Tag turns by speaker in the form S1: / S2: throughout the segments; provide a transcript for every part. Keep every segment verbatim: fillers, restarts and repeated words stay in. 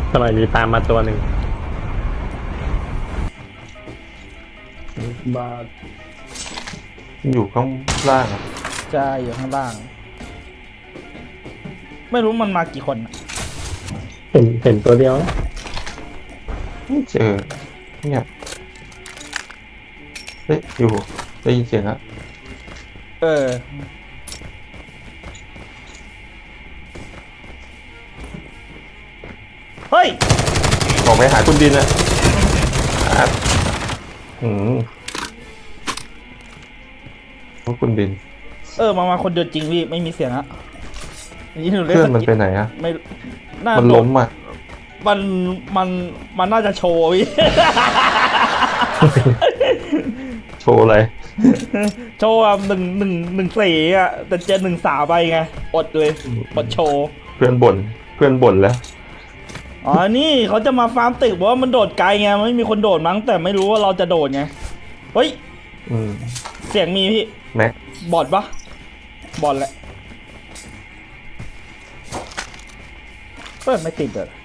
S1: ทำไมมีตามมาตัวหนึ่งบาท
S2: อยู่ข้างล่างอะ
S3: ใช่อยู่ข้างล่าง ไม่รู้มันมากี่คนอะ
S1: เห็นเห็นตัวเดียวนะ
S2: ไม่เจอเนี่ยเฮ้ยอยู่ได้ยินเสียงอะ
S3: เออเฮ้ย
S2: บอกไปหาคุณดินอะอ่ะอืมคุณดิน
S3: เออมามาคนเดียวจริงพี่ไม่มีเสียงอะนี่หนูเล่น
S2: เพื่อน
S3: ส
S2: มัน
S3: กิ
S2: ไปไหนอะ
S3: ไม่น่า
S2: มันล้มอะ
S3: มันมันมันน่าจะโชว์พี่
S2: โชว์อะไร
S3: โชว์แบบหนึ่งหนึ่งหนึ่งสี่อะแต่เจนหนึ่งสามไปไงอดเลยอดโชว์
S2: เพื่อนบ่นเพื่อนบ่นแล้ว
S3: อ๋อนี่เขาจะมาฟาร์มตึกเพราะว่ามันโดดไกลไงไม่มีคนโดดมั้งแต่ไม่รู้ว่าเราจะโดดไงเฮ้ย
S2: อืม
S3: เสียงมีพี่
S2: แม็ก
S3: บอดปะบอดแหละเปิดไม่ติดเลย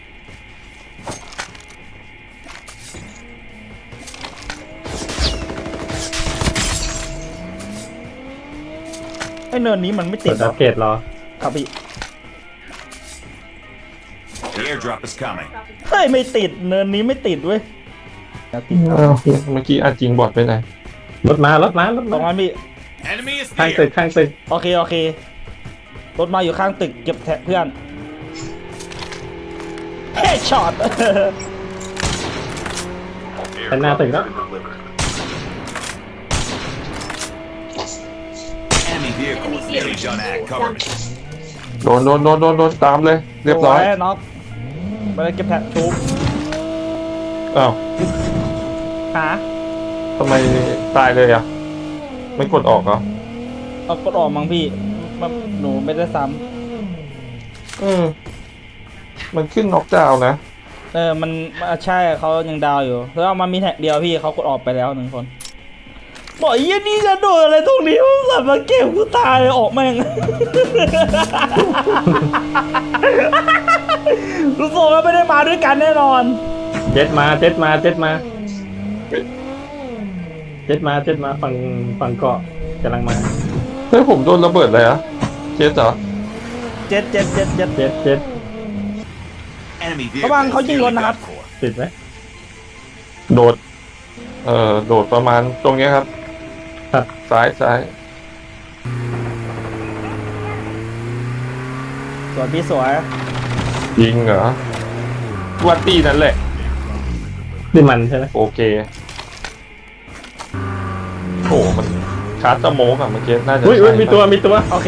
S3: ไอเนินนี้มันไม่ติ
S1: เปิ
S3: ด
S1: ด
S3: หร
S1: อั
S3: อ
S1: ปเกรดรอ
S3: ครับพี่
S4: The airdrop is coming.
S3: เฮ้ยไม่ติดเนินนี้ไม่ติดเว้ยอย่าติดครับ
S2: อ้าวเมื่อกี้อาจริงบอดไปไหน
S1: รถมารถมารถ
S3: ตร
S1: มาง
S3: นั้นพี่
S4: Enemy is
S1: ข้างตึก
S4: near.
S1: ข้างตึก
S3: โอเคโอเครถมาอยู่ข้างตึกเก็บแท็กเพื่อนเฮ้ช็อต
S1: ข้างหน้าตึกแล้ว
S4: Enemy vehicle is nearly done at. Cover me.
S2: โดนโดนโดนโดนโดนตามเลย เรียบร้อย
S3: สวน็อกไปเลยเก็บแท็กทุบ
S2: อ้าว
S3: หา
S2: ทำไมตายเลยอ่ะ ไม่กดออกเหรอ
S3: เอากดออกมั้งพี่มันหนูไม่ได้ซ้
S2: อืมมันขึ้นน็อกดาวน์นะ
S3: ำเออมันมันใช่เขายังดาวอยู่แล้วเอามามีแท็กเดียวพี่เขากดออกไปแล้วหนึ่งคนบอกไอ้ยี่นี่จะโดนอะไรตรงนี้มันสัตว์มาเก็บกูตายออกแม่ง รู้สึกว่าไม่ได้มาด้วยกันแน่นอน
S1: เจ็ดมาเจ็ดมาเจ็ดมาเจ็ดมาเจ็ดมาฝั่งฝั่งเกาะกำลังมา
S2: เฮ้ยผมโดนระเบิดเลยอะเจ๊เหรอ
S3: เจ็ดเจ็ดเจ็ดเจ็ด
S1: เจ็ดเจ็ด
S4: Enemy
S3: ระวัง
S4: vehicle
S3: เขา
S4: is
S3: ยิงรถ
S4: nearly
S3: นะครับ
S4: done for.
S1: ติดไหม
S2: โดด เอ่อ โดดประมาณตรงเนี้ยครับ
S1: ครับ
S2: ซ้ายซ้าย
S3: สวยพี่สวย
S2: ยิงเหรอวัตตี้นั่นแหละ
S1: นี่มันใช่ไหม
S2: โอเค โอ้มันชาร์จสโมกอะเมื่อกี้น่าจะ
S1: อุ้ยอุ้ย
S2: ใช่
S1: มีตัวมีตัว
S3: โอเค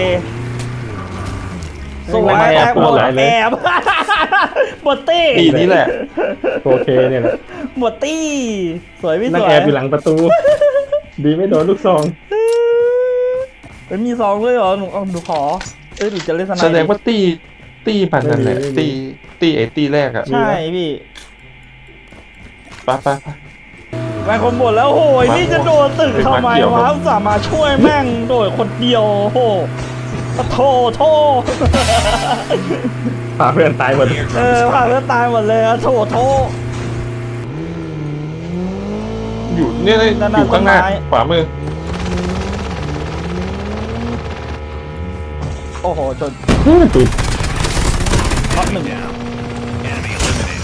S3: สวย
S1: ไม่
S3: แอ
S1: แอบบ หมด
S3: หมด
S1: หลายเลย
S3: แอบ หมดตี้
S2: ตีนี่แหละ
S1: โอเคเนี่ยแหละ
S3: หมดตี้สวยพี่
S1: นั่
S3: ส
S1: ง
S3: วย
S1: แอบอยู่หลังประตู ดีไม่โดนลูกซอง
S3: เป็นมีซองด้วยเหรอหนูเอาหนูขอเอ้ยหนูจะเล่นสไน
S2: แสดง
S3: ด์
S2: ว่าตี้ตี้มันนั่นแหละ
S1: ไม่มี
S2: ตี้ตี้ไอ้ตี้แรกอะ
S3: ใช่พี่
S2: ไปไปไป
S3: แม่งคนบ่นแล้วโหย
S2: มา
S3: นี่จะโดนตึก
S2: เฮ้ย
S3: ทำไม
S2: มาเกี่ยว
S3: วะ
S2: ครับ
S3: อุตส่าห์มาช่วยแม่งโดดคนเดียวโอ้โหโทษโทษ
S1: พาเพื่อนตายหมด
S3: เอ
S4: Airdrop
S3: อ
S4: is
S3: ผ่าน
S4: coming.
S3: แล้วตายหมดเลยอะโทษโทษ
S2: อยู่เนี่ยเลย
S3: นั่น
S2: อ
S3: น่ะ
S2: ยู่ข้างหน้า
S3: ต้นไม้
S2: ขวามือ
S3: โอ้โหจน
S1: ติด
S3: น็อกหนึ่ง
S4: Down. Enemy eliminated.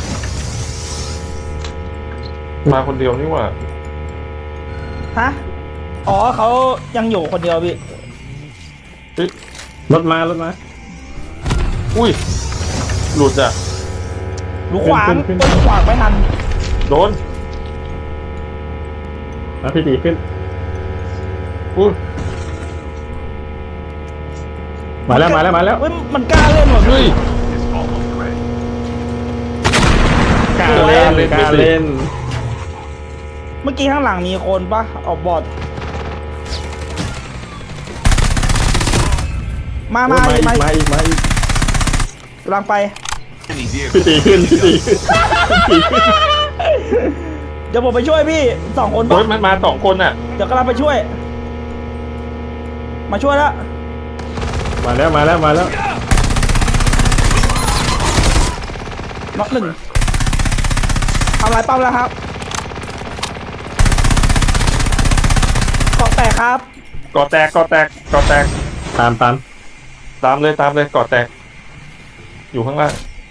S2: มาคนเดียวนี่หว่า
S3: ฮะอ๋อเขายังอยู่คนเดียวพี่
S2: เฮ้ย
S1: รถมารถมา
S2: อุ้ย หลุดอ่ะ
S3: หนูขวาง
S1: ขึ้นขึ้น
S3: เปิ้ลขวางไม่ทัน
S2: โดน
S1: มาพี่ตีขึ้น
S2: อุ้ย
S1: มาแล้วมาแล้วมาแล้ว
S3: เฮ้ยมันกล้าเล่นว่ะ
S2: เฮ้ย
S4: Is almost ready.
S1: กล้าเล่นกล้าเล่น
S3: เมื่อกี้ข้างหลังมีคนปะออกบอดมา
S1: โอ้
S3: มาย
S1: มาอีก
S3: มา
S1: มาอีกมาอีก
S3: กำลังไป
S4: Enemy vehicle
S1: พี่
S4: is
S1: ตีขึ้น
S4: nearly
S1: พี่ตี
S4: done.
S1: ขึ้นพี่ตีขึ้น
S3: เดี๋ยวผมไปช่วยพี่สองคน
S2: เฮ้
S3: ปะ
S2: ยมันมาสองคนอ่ะ
S3: เดี๋ยวกำลังไปช่วย มาช่วยแล้ว
S1: มาแล้วมาแล้วมาแล้ว
S3: น็อกหนึ่งทำลายป้อมแล้วครับเกาะแตกครับ
S2: กอแตกกอแตกกอแตก
S1: ตามตาม
S2: ตามเลยตามเลยกอแตก อยู่ข้างล่าง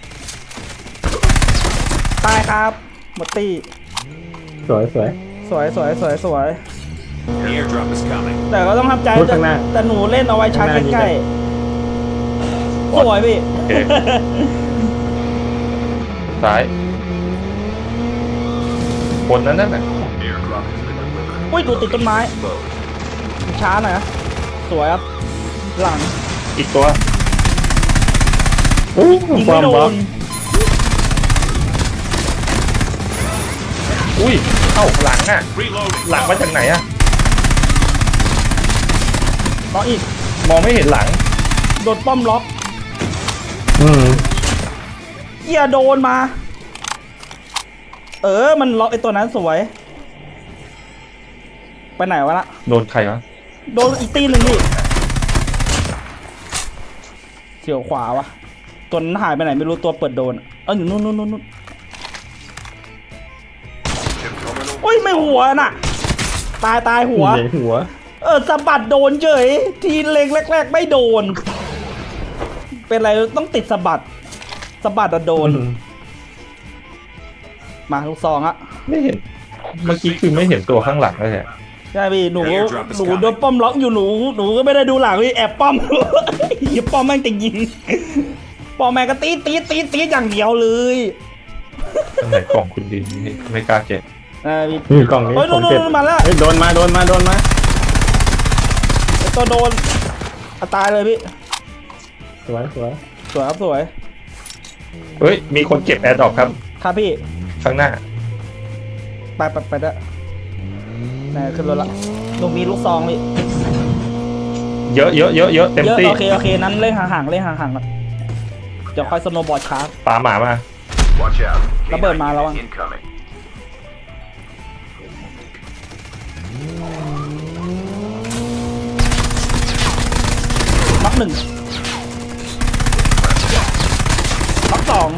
S3: ตายครับหมดตี้
S1: สวยสวย
S3: สวยสวยสวยสวย
S4: The airdrop is coming.
S3: แต่ก็ต้องทำใจ
S1: พูดข้างหน้า
S3: แต่หนูเล่นเอาไว้ชาร์จใกล้ๆสวยพี่
S2: โอเค ซ้ายคนนั้นน่ะ
S4: Airdrop has been delivered.
S3: อุ้ยดูติดต้นไม้
S4: Load.
S3: ช้าหน่อยนะสวยครับ หลัง
S2: อีกตัว
S1: อู้
S3: ยิง
S1: บอ
S3: ไม่
S1: ม
S3: โด
S1: บอม
S3: น
S2: อุ้ยเข้าหลังอ่ะ
S4: Reloading.
S2: หลังมาจากไหนอ่ะ
S3: น้องอีก
S2: มองไม่เห็นหลัง
S3: โดนป้อมล็อก
S1: อืม
S3: เกียโดนมา เออ มันล็อกไอตัวนั้นสวย ไปไหนวะละ
S2: โดนใครวะ
S3: โดนอีกตีหนึ่งดิเฉียวขวาวะตัวนั้นหายไปไหนไม่รู้ตัวเปิดโดนอะเอออยู่นู่นนู่นนู่นนู่นโอ้ยไม่หัวน่ะ ตายตายหัว
S1: ใหญ่หัว
S3: เออสะบัดโดนเฉยทีเล็งแรก ๆ ไม่โดน เป็นไรต้องติดสะบัดสะบัดอะโดน
S1: อืม
S3: มาลูกซองอะ
S2: ไม่เห็น เมื่อกี้คือไม่เห็นตัวข้างหลังเลยอ่ะ
S3: ใช่พี่หนู
S4: Airdrop is
S3: หนู
S4: coming
S3: โดนป้อมล็อกอยู่หนูหนูก็ไม่ได้ดูหลังพี่แอบป้อม อย่าป้อมแม่งจะยิงป้อมแม่งก็ตีดตีดตีดตีดอย่างเดียวเลย
S2: ตั้งแต่กล่องคุณดินนี่ไม่กล้าเจ็บ
S3: เออพี่
S1: นี่กล่องนี้
S3: เฮ้ย
S1: ผมเก็บ
S3: โดนๆมาแล้ว
S1: เฮ้ยโดนมาโดนมาโดนมา
S3: ไอ้ตัวโดนอ่ะตายเลยพี่
S1: สวยสวย
S3: สวยครับสวย
S2: เฮ้ย มีคนเก็บแอร์ดรอปครับ
S3: ครับพี่
S2: ข้างหน้า
S3: ไปไปไปได้ไหนขึ้นรถละตรงนี้ลูกซองพี่
S2: เยอะเยอะเยอะเยอะเต็ม
S3: เยอะ
S2: ที่
S3: โอเคโอเคนั้นเล่นห่างๆเล่นห่างๆก่อนเดี๋ยวค่อยสโนว์บอร์ดชาร์จ
S2: ปาหมามา
S4: Watch out.
S3: ระเบิดมาแล้วอะ
S4: Incoming.
S3: น็อกหนึ่งน็อกสอง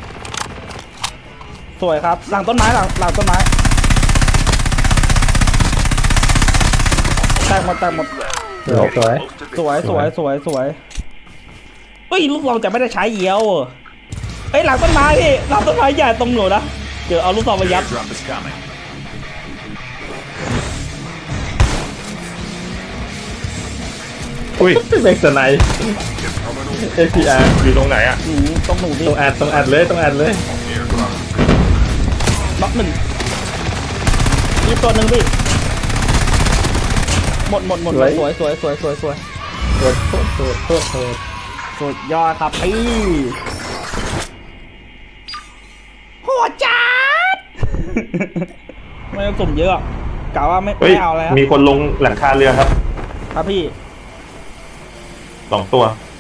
S3: สวยครับ หลังต้นไม้หลังหลังต้นไม้แตกหมดแตกหมด
S1: สวยสวย
S3: สวยสวยสวยสวยเฮ้ยลูกเราจะไม่ได้ใช้เยียวเฮ้ยหลังต้นไม้พี่หลังต้นไม้ใหญ่ตรงหนูนะเดี๋ยวเอาลูกซองไป
S4: The
S3: ยัด
S4: airdrop is coming.
S2: อุ้ย
S1: เบกสไนด์เอพีอาร์
S2: อยู่ตรงไหนอ่ะ
S3: หนูตรงหนูพี่
S1: ต้องอัดต้องอัดเลยต้องอัดเลย
S4: Airdrop.
S3: น็อกหนึ่งมีตัวหนึ่งพี่หมดหมดหมด
S1: สวย
S3: สวยสวยสวยสวยสวย
S1: โทษโทษโทษโทษโทษ
S3: สุดยอดครับพี่โหดจัด ไม่ต้องสุ่มเยอะกะว่าไม่
S2: เฮ้ย
S3: ไม่เอาแล้ว
S2: มีคนลงหลังคาเรือครับ
S3: ครับพี่
S2: สองตัว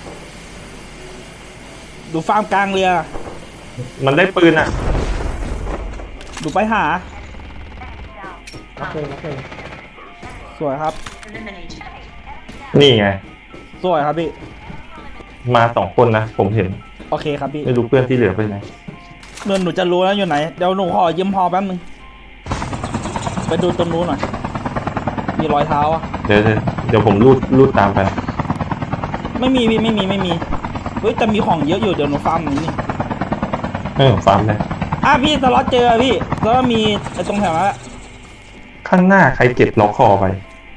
S3: ดูฟาร์มกลางเรือ
S2: มันได้ปืนอ่ะ
S3: ดูไปหา
S1: โอเคโอเค
S3: สวยครับ
S2: นี่ไง
S3: สวยครับพี่
S2: มาสองคนนะ ผมเห็น
S3: โอเคครับพี่
S2: ไม่รู้เพื่อนที่เหลือไปไหน
S3: เงินหนูจะรู้แล้วอยู่ไหน เดี๋ยวหนูขอยืมพอแป๊บนึง ไปดูตรงนู้นหน่อย มีรอยเท้าอะ
S2: เดี๋ยวเดี๋ยวเดี๋ยวผมรูดรูดตามไป
S3: ไม่มีพี่ไม่มีไม่มี เฮ้ยแต่มีของเยอะอยู่เดี๋ยวหนูฟาร์มนี้นี่
S2: เออฟาร์มเลย
S3: อ่ะพี่สล็อตเจอพี่แล้วก็มีไอ้ตรงแถวนั้นแหละ
S2: ข้างหน้าใครเก็บล็อกคอไป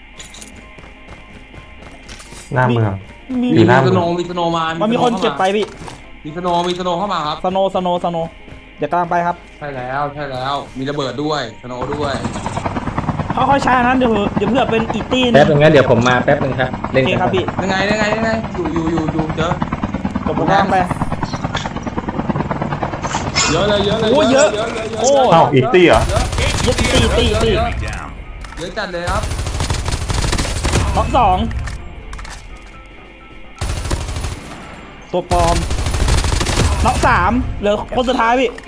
S2: หน้าเมือง
S3: มี
S2: อยู่หน้า
S5: สโนว์มีสโนว์มา
S3: มันมีคนเก็บไปพี่
S5: มีสโนว์มีสโนว์เข้ามาครับ
S3: สโนสโนสโนเดี๋ยวกำลังไปครับ
S5: ใช่แล้วใช่แล้ว มีระเบิดด้วยสโนว์ด้วย
S3: ค่อยๆใช้อันนั้นเดี๋ยวเดี๋ยวเพื่อเป็นอีตี้
S1: แป๊
S3: นึ
S1: บ
S3: ง
S1: นึงนะเดี๋ยวผมมาแป๊บนึงครับ
S3: โอ
S1: เล่น
S3: เค
S1: กัน
S3: ครับพี่
S5: ยังไงยังไงยังไงอยู่อยู่อยู่อยู่เจอ
S3: เดี๋ยวผมกำลังไป
S5: เยอะเลยเยอะเลย
S3: โอ้เยอะ
S5: เยอะเยอะเยอะ
S3: โอ้
S2: เอ้าอีกตี้เหรอ
S3: ยึดตีตีตี
S4: Enemy down.
S5: เยอะจัดเลยครับ
S3: ล็อกสองตัวปลอมล็อกสามเหลือคนสุดท้ายพี่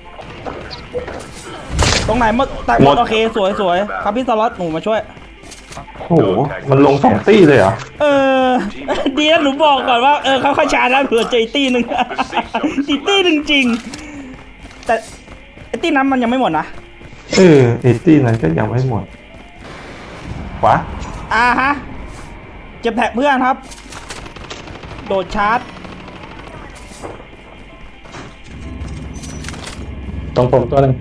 S3: ตรงไหนหมดแต่หม
S2: หม
S3: ด
S2: ด
S3: โอเคสวยสวยครับพี่สล็อตหนูมาช่วย
S2: โอ้โห มันลงสองตี้เลยเหรอ
S3: เออ ดีนะหนูบอกก่อนว่าเออเขาค่อยๆชาร์จนะเผื่อเจออีกตี้หนึ่ง อีกตี้หนึ่งจริงแต่ไอ้ตีนั้นมันยังไม่หมดนะ
S2: เออเอตี้นั้นก็ยังไม่หมดขวา
S3: อ่าฮะเก็บแท็กเพื่อนครับ โดดชาร์จ
S1: ตรงผมตัวหนึ่ง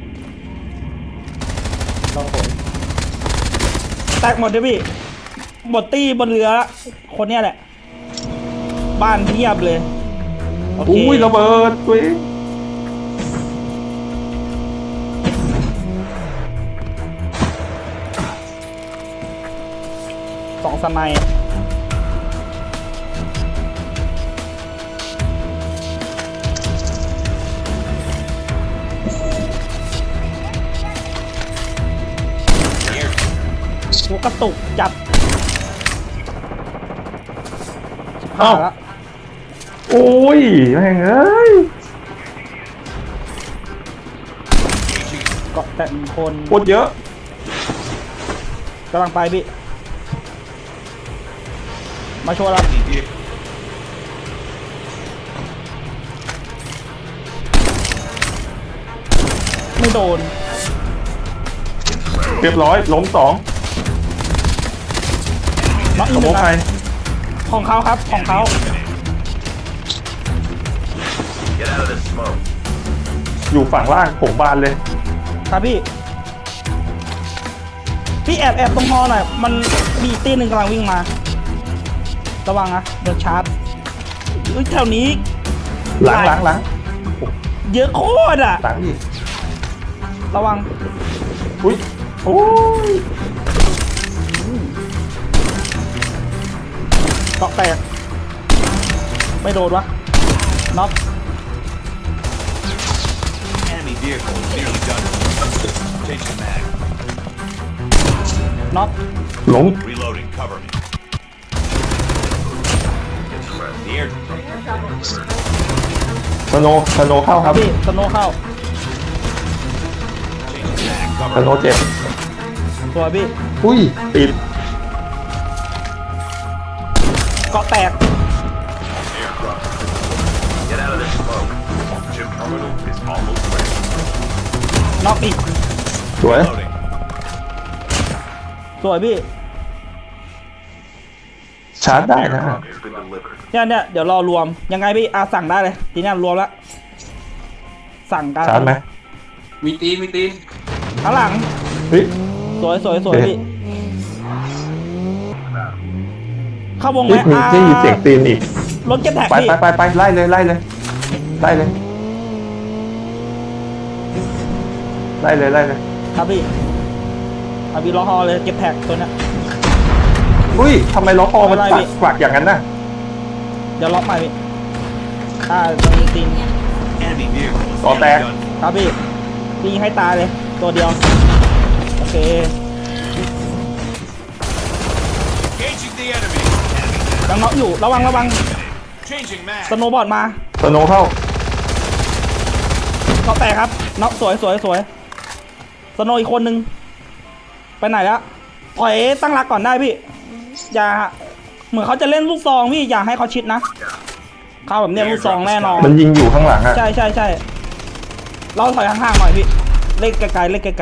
S1: ตรงผม
S3: แตกหมดเลยพี่หมดตี้บนเรือละคนเนี้ยแหละ บ้านเทียบเลยโอเค
S2: อุ้ยระเบิดตัวเอง
S3: สองสไนด์หัวกระตุกจับผ่าแล้ว
S2: โอ้ยแม่งเอ้ย
S3: เกาะแต่คน
S2: โคตรเยอะ
S3: กำลังไปพี่ มาโชว์แล้วไม่โดน
S2: เรียบร้อยล้มสอง
S3: น็อกอี
S2: ส
S3: กห
S2: ม
S3: นึ่
S2: อง
S3: ง
S2: ใคร
S3: ครับของเขาครับของเขา
S4: Get out of this smoke.
S2: อยู่ฝั่งล่างผมบานเลย
S3: ครับพี่ พี่แอบแอบตรงฮอหน่อย มันมีอีกตีหนึ่งกำลังวิ่งมา ระวังนะโดนชาร์จอุ้ยแถวนี้
S2: หลังหลังหลัง
S3: เยอะโคตรอ่ะ
S2: หลังอีก
S3: ระวัง
S2: อุ้ยโอ้ย
S3: เกาะแตก ไม่โดนวะน็อก
S4: Enemy vehicle is nearly done. Changing mag.
S3: น็อก
S2: ล้ม
S4: Reloading. Cover me. The airdrop.
S2: สโนว์สโนว์เข้าครับ
S3: พี่สโนว์เข้า
S4: Changing mag.
S2: ส
S4: Cover
S2: โน
S4: me.
S2: ว์เจ็บ
S3: ตัวพี่
S2: อุ้ยติด
S3: เกาะแตก
S4: Airdrop. Get out of this smoke. Chip terminal is almost ready.
S3: น็อกอีก
S2: สวย
S4: Reloading.
S3: สวยพี่
S2: ชาร์จได้นะ
S4: Airdrop has been delivered.
S3: เนี่ยเนี่ยเดี๋ยวรอรวม ยังไงพี่อาสั่งได้เลย ทีเนี้ยรวมแล้วสั่งกัน
S2: ชาร์จไหม
S5: มีตีนมีตีน
S3: ข้างหลัง
S2: เฮ้ย
S3: สวยสวยสวย
S2: เอ๊ะ
S3: พี่ เข้าวงไหม
S2: เฮ้ยมี
S3: อ่า
S2: ได้ยินเสียงตีนอีก
S3: รถเก็บแท็ก
S2: ไป
S3: พี่
S2: ไปไปไปไล่เลยไล่เลยไล่เลยไล่เลยไล่เลย
S3: ครับพี่อาบีรอฮอเลยเก็บแท็กตัวเนี้ย
S2: อุ้ยทำไมล้อคอมัน
S3: ไม่ไล่พี่
S2: กวักอย่างนั้นน่ะ
S3: เดี๋ยวล็อกใหม่พี่อ่าตรงนี้ตีน
S4: Enemy vehicle is
S2: Got
S4: nearly
S2: that.
S4: done.
S3: ครับพี่พี่ยิงให้ตายเลย ตัวเดียว โอเค
S4: Engaging the enemy.
S3: ยังน็อกอยู่ระวังระวัง
S4: Changing mag.
S3: สโนว์บอร์ดมา
S2: สโนว์เข้า
S3: เขาแตกครับน็อกสวยสวยสวยสโนว์อีกคนนึงไปไหนแล้วถอยตั้งรักก่อนได้พี่ อย่าเหมือนเขาจะเล่นลูกซองพี่อย่าให้เขาชิดนะเขาแบบเนี้ยลูกซองแน่นอน
S2: มันยิงอยู่ข้างหลังอะ
S3: ใช่ใช่ใช่เราถอยห่างๆหน่อยพี่เล่นไกลๆเล่นไกล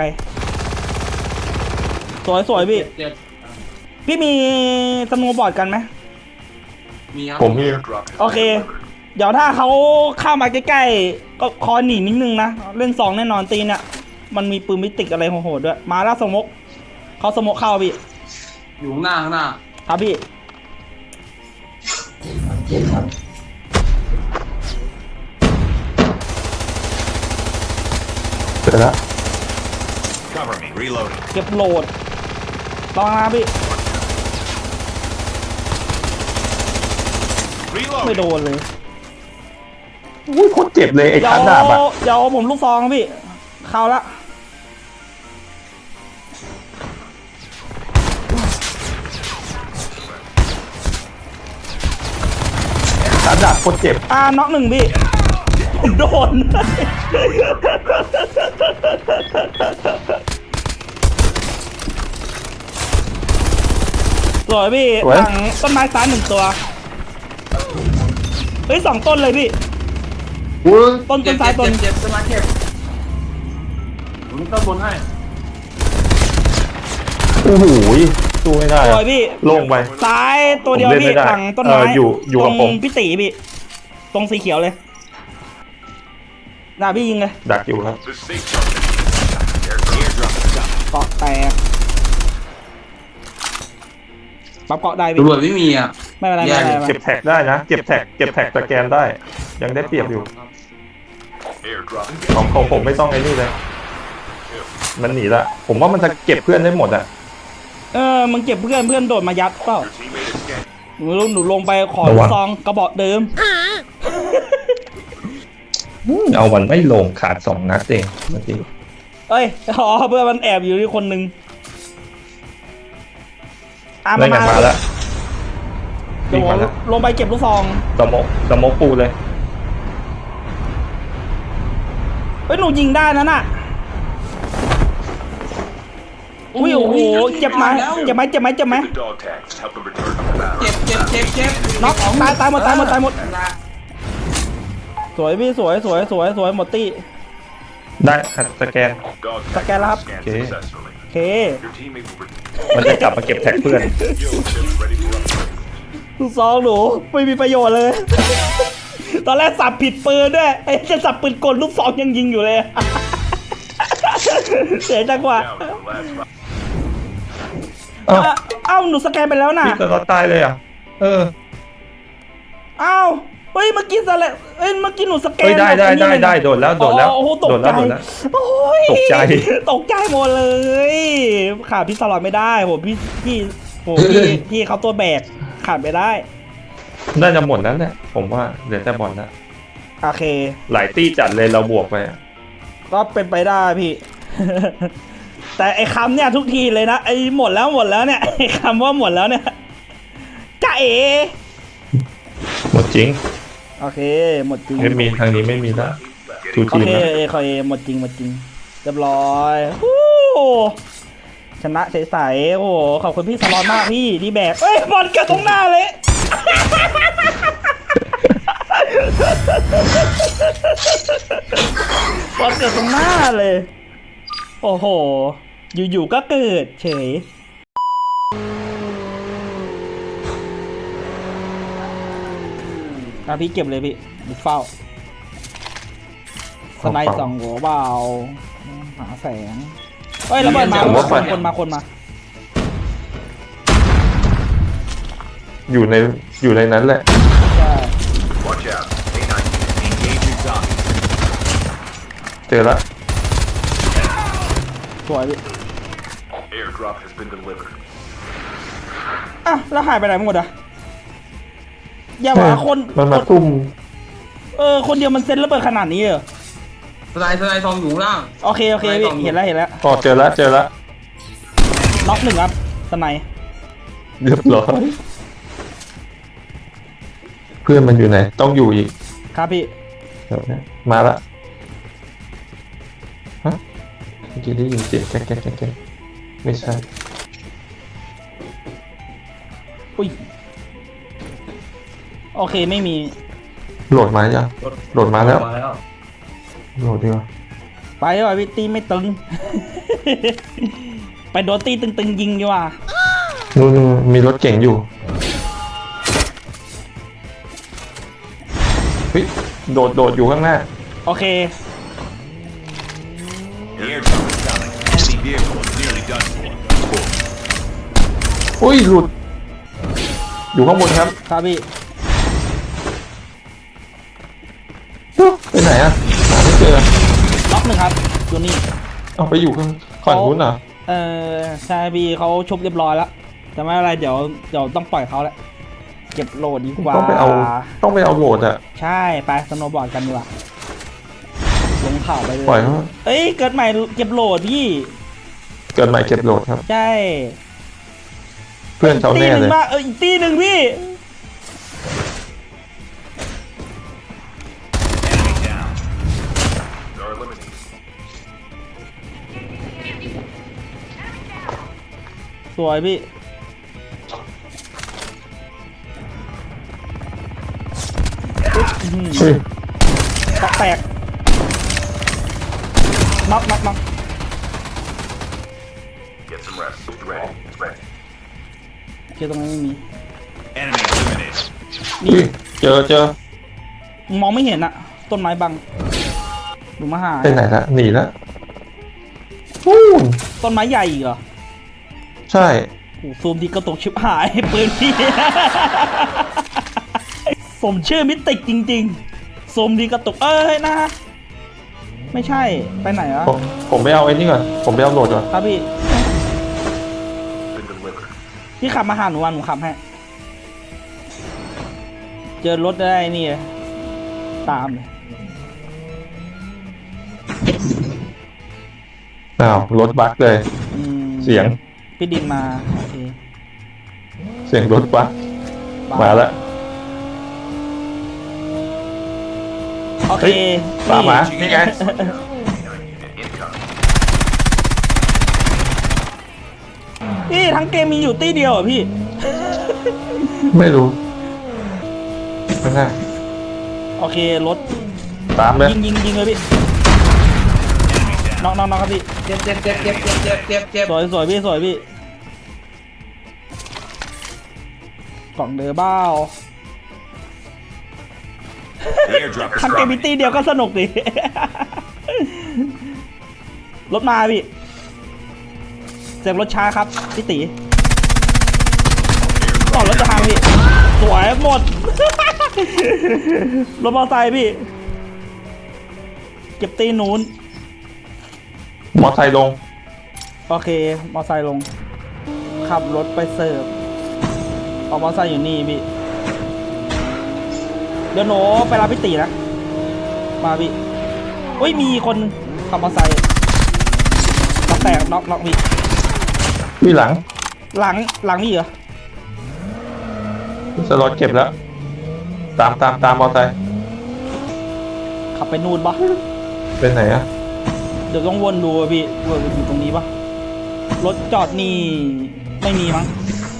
S3: ๆสวยสวยพี่
S5: เจ็บ
S3: พี่มีสโนว์บอร์ดกันไหม
S5: มีครับ
S2: ผมมี
S4: Airdrop has
S3: โอเค เดี๋ยวถ้าเขาเข้ามาใกล้ๆ ก็คอยหนีนิดนึงนะ เล่นสองแน่นอนตีเนี่ย มันมีปืนมิติกอะไรโหดๆด้วย มาแล้วสมกเขาสมกเข้าพี่
S5: อยู่ข้างหน้าข้างหน้า
S3: ครับพี่
S2: เสร็จแล้ว
S4: Cover me. Reloading.
S3: เก็บโหลดลองนะพี่ ไม่
S4: Reloading.
S3: โดนเลย
S2: อุ้ยโคตรเจ็บเลยไอ้
S3: เดี๋ย
S2: ชาว ร์จดาบอะ
S3: เดี๋ยวผมลูกซองพี่ เข้าละ
S2: ชาร์จดาบโคตรเจ็บ
S3: อ่าน็อกหนึ่งพี่ผมโดน สวยพี่
S2: สวย
S3: หลังต้นไม้ซ้ายหนึ่งตัว เฮ้ยสองต้นเลยพี่
S2: อุ้ย
S3: ต้น
S5: เจ็
S3: ต้
S5: บ
S3: นซ้าย
S5: เจ็บ
S3: ต้น
S5: เจ็บเจ็บสมาเก็บผมต้นบนให้
S2: โอ้โหสู้ไม่ได้
S3: ส
S2: อะ
S3: วยพี่
S2: โล่งไป
S3: ซ้ายตัวเดียว
S2: ผมเล่น
S3: พี่
S2: ไม่ได้
S3: หลังต้นไม้
S2: เอออยู่อยู่
S3: ต
S2: กับ
S3: รง
S2: ผม
S3: พี่ตีพี่ ตรงสีเขียวเลยน่าพี่ยิงเลย
S2: ดักอยู่ครับ
S4: The safe zone. Airdrop is coming.
S3: เกาะแตกปรับเกาะได้พี่
S5: ตำรวจไม่มีอ่ะ
S3: ไม่เป็นไร
S5: แย่
S3: ไม่เป็นไรไม่
S2: เก็
S3: เป็นไร
S2: บแท็กได้นะ เก็บแท็กเก็บแท็กสแกนได้ ยังได้เปรียบอยู่
S4: Airdrop.
S2: ของของผมไม่ต้องไอ้นี่เลย มันหนีละผมว่ามันจะเก็บเพื่อนได้หมดอ่ะ
S3: เออมึงเก็บเพื่อนเพื่อนโดดมายัดเปล่า
S4: Your teammate is scanning.
S3: หนูหนูลงไปขอ
S2: ระวัง
S3: ซองกระบอกเดิม
S2: เอาวันไม่ลงขาดสองนัดเองเมื่อกี้
S3: เอ้ยอ๋อเพื่อนมันแอบอยู่ที่คนหนึ่งอ่ะ
S2: ได้
S3: มา
S2: ไง
S3: มา
S2: มาแล้ว
S3: เดี๋ยวผม
S2: มาแล้ว
S3: ลงไปเก็บลูกซอง
S2: สมกสมกปูเลย
S3: เฮ้ยหนูยิงได้นั่นน่ะอุ้ยโอ้โหเจ็บไหมเจ็บไหมเจ็บไหมเจ็บไหม
S4: The dog tags. Help them return to the battle.
S5: เจ็บเจ็บเจ็บเจ็บ
S3: น็อกตายตายหมดตายหมดตายหมด
S5: ละ
S3: สวยพี่สวยสวยสวยสวยหมดตี้
S2: ได้สแกน
S4: Dog
S3: Scan
S4: tags
S3: lab.
S4: scanned
S2: Okay.
S4: successfully.
S3: โอเค
S4: Your teammate will return.
S2: มันจะกลับมาเก็บแท็กเพื่อน
S4: Yo, chip ready for upgrade.
S3: ลูกซองหนูไม่มีประโยชน์เลย ตอนแรกสับผิดปืนด้วยไอ้จะสับปืนกลลูกซองยังยิงอยู่เลย เสียจังหวะ
S4: Down to the last five.
S2: เอ้า
S3: เอ้าเอ้าหนูสแกนไปแล้วน่ะ
S2: พี่จะรอดตายเลยอ่ะ เออ
S3: เอ้าเฮ้ยเมื่อกี้สแลเอ้ยเมื่อกี้หนูสแกน
S2: เฮ้ยได้ได้
S3: แบบนี้
S2: ได้
S3: เลยนะ
S2: ได้โดดแล้วโดดแล้ว
S3: อ๋อโอ้โหตก
S2: โดด
S3: ใจ
S2: แล้วโดดแล้ว
S3: โอ้ย
S2: ตกใจ
S3: ตกใจหมดเลยขาดพี่สลอดไม่ได้โหพี่พี่โหพี่พี่เขาตัวแบกขาดไม่ได้
S2: น่าจะหมดแล้วแหละผมว่าเหลือแต่บอลแล้ว
S3: โอเค
S2: หลายตี้จัดเลยเราบวกไปอะ
S3: ก็เป็นไปได้พี่ แต่ไอ้คำเนี่ยทุกทีเลยนะไอ้หมดแล้วหมดแล้วเนี่ยไอ้คำว่าหมดแล้วเนี่ยจ้าเอ
S2: หมดจริง
S3: โอเค หมดจริง
S2: ไม่มีทางนี้ไม่มีแล้วทู
S3: โอ
S2: ทีม
S3: เค
S2: แล้ว
S3: เอคอยหมดจริงหมดจริงเรียบร้อยฮู้ชนะใสๆโอ้โหขอบคุณพี่สลอนมากพี่ที่แบกเอ้ยบอลเกิดตรงหน้าเลย บอลเกิดตรงหน้าเลย โอ้โห อยู่ๆก็เกิดเฉยอ่ะพี่เก็บเลยพี่บุกเฝ้าสไนด์สองหัวเบาหาแสงเฮ้ยระเบิดมาคนคนมาคนมา
S2: อยู่ในอยู่ในนั้นแหละ
S3: ใช่
S4: Watch out. A nine. Engage your zombies.
S2: เจอแล้ว
S3: สวยพี่
S4: Airdrop has been delivered.
S3: อ่ะแล้วหายไปไหนหมดอ่ะอย่าว่าคน
S2: มันมาตุ้ม
S3: เออคนเดียวมันเซ็นระเบิดขนาดนี้เหรอ
S5: สไลด์สไลด์ทองอยู่ข้างล่าง
S3: โอเคโอเคพี่เห็นแล้วเห็นแล้ว
S2: อ๋อเจอแล้วเจอแล้ว
S3: น็อกหนึ่งครับสไนด์
S2: เรียบร้อยเพื่อนมันอยู่ไหน ต้องอยู่อีก
S3: ครับพี่
S2: เดี๋ยวนะมาละฮะเมื่อกี้ได้ยินเสียงแก๊กแก๊กแก๊กแก๊กไม่ใช่
S3: อุ้ยโอเคไม่มี
S2: โหลดมายังโหลดมาแล้ว
S5: มาแล้ว
S2: โหลดดีกว่า
S3: ไปดีกว่าพี่ตีไม่ตึง ไปโดนตีตึงๆยิงดีกว่า
S2: นู่นมีรถเก่งอยู่เฮ้ยโดดโดดอยู่ข้างหน้า
S3: โอเค
S4: The airdrop is coming. Enemy vehicle is nearly done for.
S2: อุ้ยหลุด อยู่ข้างบนครับ
S3: ครับพี่
S2: เอ้าไปไหนอ่ะหาไม่เจอ
S3: ล็อกหนึ่งครับอยู่นี่
S2: เอาไปอยู่ข้างฝั่งนู้นเหรอ
S3: เออใช่พี่เขาชุบเรียบร้อยแล้วแต่ไม่เป็นไรเดี๋ยวเดี๋ยวต้องปล่อยเขาแล้วเก็บโหลดดีกว่า
S2: ต้องไปเอาต้องไปเอาโหลดอ่ะ
S3: ใช่ไปสโนว์บอร์ดกันดีกว่าลงเขาไปเลย
S2: ปล่อยเขา
S3: เอ้ยเกิดใหม่เก็บโหลดพี่
S2: เกิดใหม่เก็บโหลดครับ
S3: ใช่
S2: เพื่อนเขา
S3: ตี
S2: แน่
S3: หนึ่
S2: เล
S3: ง
S2: ย
S3: มาเอออีกตีหนึ่งพี่
S4: Enemy down. They're eliminated.
S3: สวยพี่อื้อหือ
S2: เฮ้ย
S3: ตอกแตกน็อกน็อกน็อก
S4: suppress. Ready. Ready.
S3: เจอตรงนั้นไม่มี
S4: Enemy eliminated.
S3: นี่
S2: อุ้ยเจอเจอ
S3: มองไม่เห็นอะต้นไม้บังดูมาหา
S2: ไปไหนละหนีละอู้น
S3: ต้นไม้ใหญ่อีกเหรอ
S2: ใช่
S3: โอ้ซูมที่กระตุกชิบหาย ปืนพี่ สมชื่อมิติกจริงๆซูมที่กระตุกเอ้ยนะ ไม่ใช่ไปไหนอะ
S2: ผมผมไปเอาไอ้นี่ก่อนผมไปเอาโหลดก่อน
S3: ครับพี่
S4: Been delivered.
S3: พี่ขับมาหาหนูวันหนูขับให้เจอรถได้นี่เลยตามเลย
S2: อ้าวรถบั๊กเลย
S3: อืม
S2: เสียง
S3: พี่ดินมาโอเค
S2: เสียงรถบั๊กมาแล้ว
S3: โอเค
S2: ตามมานี่ไง
S4: Incoming.
S3: พี่ทั้งเกมมีอยู่ตี้เดียวเหรอพี่
S2: ไม่รู้ไม่น่า
S3: โอเครถ
S2: ตามเลย
S3: ยิงยิงยิงเลยพี่น้องน้องน้องครับพี่
S5: เจ็บเจ็บเจ็บเจ็บเจ็บเจ็บเจ็บเจ็บ
S3: สวยสวยพี่สวยพี่กล่องเดอร์บ้า
S4: The airdrop is
S3: ทั้งเกมมี
S4: dropping.
S3: ตี้เดียวก็สนุกดิ รถมาพี่เสียงรถช้าครับพี่ตีก่อนรถจะพังพี่สวยหมด รถมอเตอร์ไซค์พี่เก็บตีนู้น
S2: มอไซค์ลง
S3: โอเค มอไซค์ลง ขับรถไปเสิร์ฟเอามอไซค์อยู่นี่พี่ เดี๋ยวหนูไปรับพี่ตีนะ มาพี่อุ้ย มีคนขับมอไซค์น็อกแตกน็อกน็อกพี่
S2: พี่หลัง
S3: หลัง หลังนี่เหรอ
S2: สล็อตเก็บแล้ว ตามตามตามมอไซค์
S3: ขับไปนู่นปะ
S2: เป็นไหนอะ
S3: เดี๋ยวต้องวนดูอะพี่ว่าอยู่ตรงนี้ปะรถจอดนี่ ไม่มีมั้ง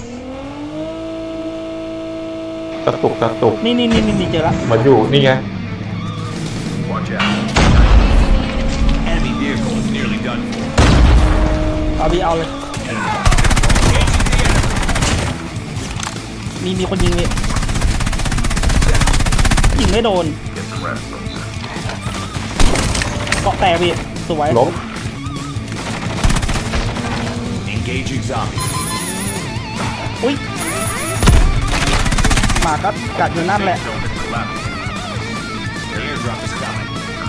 S2: กระตุกกระตุก
S3: นี่นี่นี่นี่เจอละ
S2: มาอยู่นี่ไง
S4: Watch out. Enemy vehicle is nearly done for.
S3: เอาพี่เอาเลย มีมีคนยิงนี่ยิงไม่โดน
S4: Get some rest, folks.
S3: เกาะแตกพี่สวย
S2: ล้ม
S4: Engaging zombie.
S3: อุ้ยหมาก็กัดอยู่นั่นแหละ
S4: Zone is collapsing. The airdrop is coming.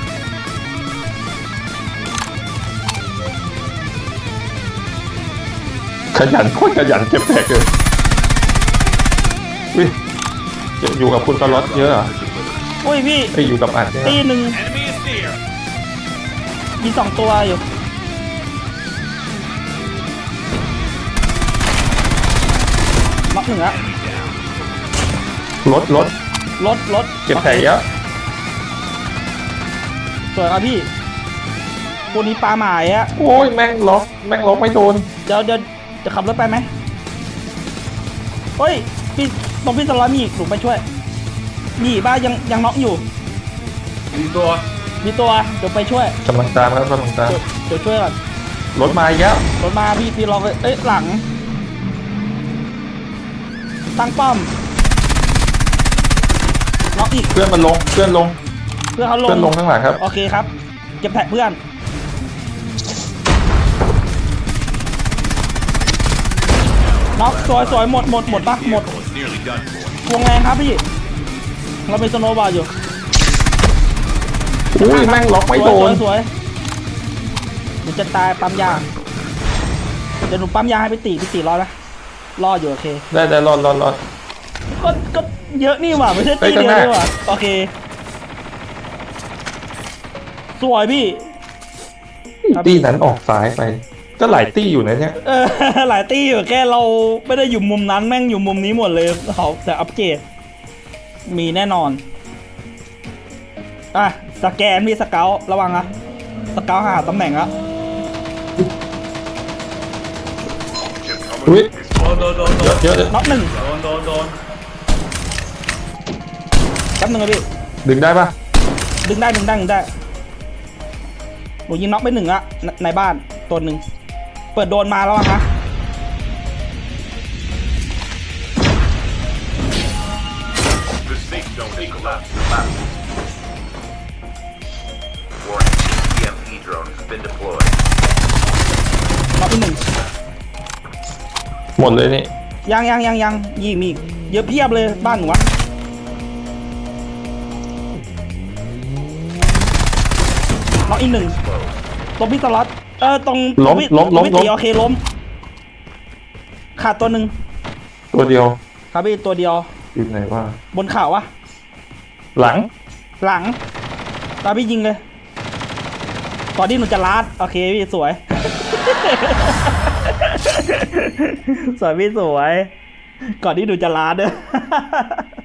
S2: ขยันโคตรขยันเก็บแตกเลยอุ้ยอยู่กับคุณสล็อตเยอะเหรอ
S3: อุ้ยพี่
S2: ไปอยู่กับอัดเนี่ย
S3: ตีหนึ่ง
S4: Enemy is near.
S3: มีสองตัวอยู่น็อกหนึ่งอะ
S4: Enemy down.
S2: รถรถ
S3: รถรถ
S2: เก็บแตกเยอะ
S3: สวยครับพี่คนนี้ปลาหมายอะ
S2: โอ้ยแม่งล็อกแม่งล็อกไม่โดน
S3: เดี๋ยวเดี๋ยวจะขับรถไปไหมเฮ้ยพี่ตรงพี่สล็อตมีอีกหนูไปช่วยมีอีกบ้ายังยังน็อกอยู่
S5: มีตัว
S3: มีตัวเดี๋ยวไปช่วย
S2: กำลังตามครับกำลังตาม
S3: เดี๋ยวเดี๋ยวช่วยก่อน
S2: รถมาอีกแล้ว
S3: รถมาพี่พี่รอเลยเอ้ยหลัง ตั้งป้อมน็อกอีก
S2: เพื่อนมันลงเพื่อนลง
S3: เพื่อเขาลง
S2: เพื่อนลงข้างหลังครับ
S3: โอเคครับเก็บแท็กเพื่อนน็อกสวยสวยหมดหมดหมดปะหมด
S4: Vehicle is nearly done for.
S3: วงแรงครับพี่เราเป็นสโนว์บอร์อยู่
S2: อุ้ยแม่งล็อกไม่โด
S3: สวน ยสวยเดี๋ยวจะตายปั๊มยาเดี๋ยวหนูปั๊มยาให้พี่ตีพี่ตีรอนะรออยู่โอเค
S2: ได้ได้รอดรอดรอด
S3: ก็ก็เยอะนี่หว่าไม่ใช่
S2: เฮ้
S3: ตี
S2: ย
S3: เดียว
S2: ข้างหน้า
S3: นี่หว่าโอเค สวยพี่ ครับ
S2: ตี้นั้นออกซ้ายไป ก็หลายตี้อยู่นะเนี่ย
S3: เออ หลายตีอยู่แค่เราไม่ได้อยู่มุมนั้นแม่งอยู่มุมนี้หมดเลยเขาแต่อัปเกรดมีแน่นอนอ่ะสแกนมีสเกลระวังนะสเกลหาตำแหน่งละ
S4: Chip
S2: อุ้ย
S4: terminal is
S5: โดนโดนโดนโด
S2: เยอะ
S5: น
S2: เยอะเลย
S3: น็อกหนึ่ง
S5: โดนโดนโดน
S3: แป๊บหนึ่งนะพี่
S2: ดึงได้ปะ
S3: ดึงได้ดึงได้ดึงได้หนูยิงน็อกไปหนึ่งอะในในบ้านตัวหนึ่งเปิดโดนมาแล้วอะฮะ
S4: Enemies left. Left. Warning. E M P drone has been deployed.
S3: น็อกอีกหนึ่ง
S2: หมดเลยนี่
S3: ยังยังยังยังยิงมีอีกเยอะเพียบเลยบ้านหนูอะน็อกอีกหนึ่งตรงพี่สล็อตเออตรง
S2: ล้ม
S3: ตรงพี่
S2: ล้ม
S3: ตร
S2: ล้
S3: ง
S2: ม
S3: พี่
S2: ล้
S3: ตี
S2: ม
S3: โอเคล้มขาดตัวหนึ่ง
S2: ตัวเดียว
S3: ครับพี่ตัวเดียว
S2: อยู่ไหนว่า
S3: บนเขาวะ
S2: หลัง
S3: หลังตามพี่ยิงเลยก่อนที่หนูจะลัดโอเคพี่สวย สวยพี่สวย ก่อนที่หนูจะลัดเด้อ